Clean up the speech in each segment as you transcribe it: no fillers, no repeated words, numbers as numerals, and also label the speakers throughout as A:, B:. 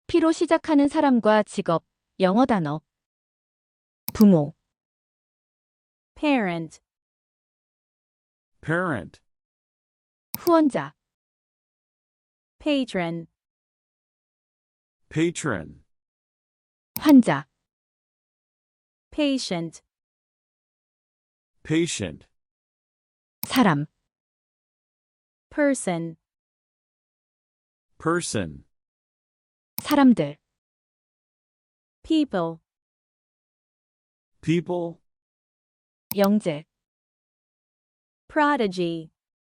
A: P로 시작하는 사람과 직업, 영어 단어. 부모,
B: parent,
C: parent,
A: 후원자,
B: patron,
C: patron,
A: 환자,
B: patient,
C: patient,
A: 사람,
B: person,
C: person,
A: 사람들,
B: people,
C: people,
A: 영재,
B: prodigy,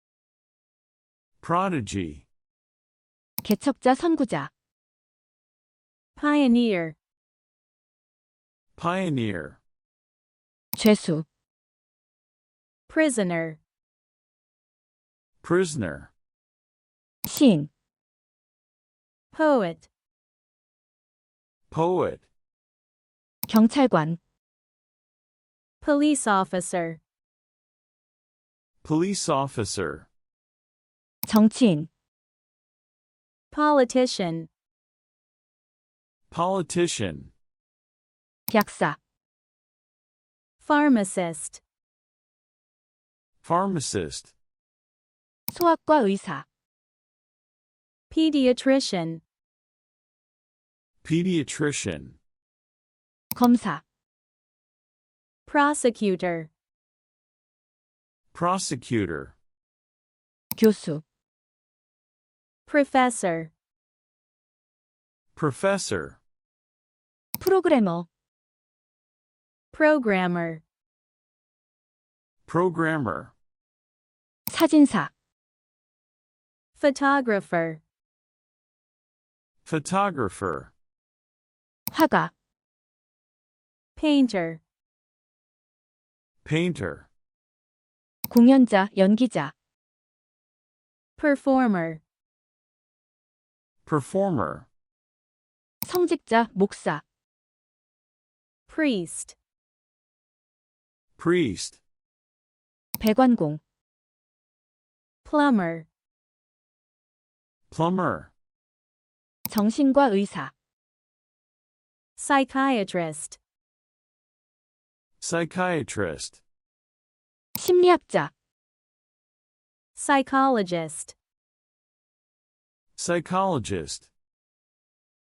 C: prodigy,
A: 개척자 선구자,
B: pioneer,
C: pioneer,
A: 죄수,
B: prisoner,
C: prisoner,
A: 시인,
B: poet,
C: poet,
A: 경찰관,
B: police officer,
C: police officer,
A: 정치인,
B: politician,
C: politician,
A: 약사,
B: pharmacist,
C: pharmacist,
A: 소아과 의사,
B: pediatrician,
C: pediatrician,
A: 검사,
B: prosecutor,
C: prosecutor,
A: 교수,
B: professor,
C: professor,
A: 프로그래머,
B: programmer,
C: programmer,
A: 사진사,
B: photographer,
C: photographer,
A: 화가,
B: painter,
C: painter,
A: 공연자, 연기자,
B: performer,
C: performer,
A: 성직자, 목사,
B: priest,
C: priest,
A: 배관공,
B: plumber,
C: plumber,
A: 정신과 의사,
B: psychiatrist,
C: psychiatrist,
A: 심리학자,
B: psychologist,
C: psychologist,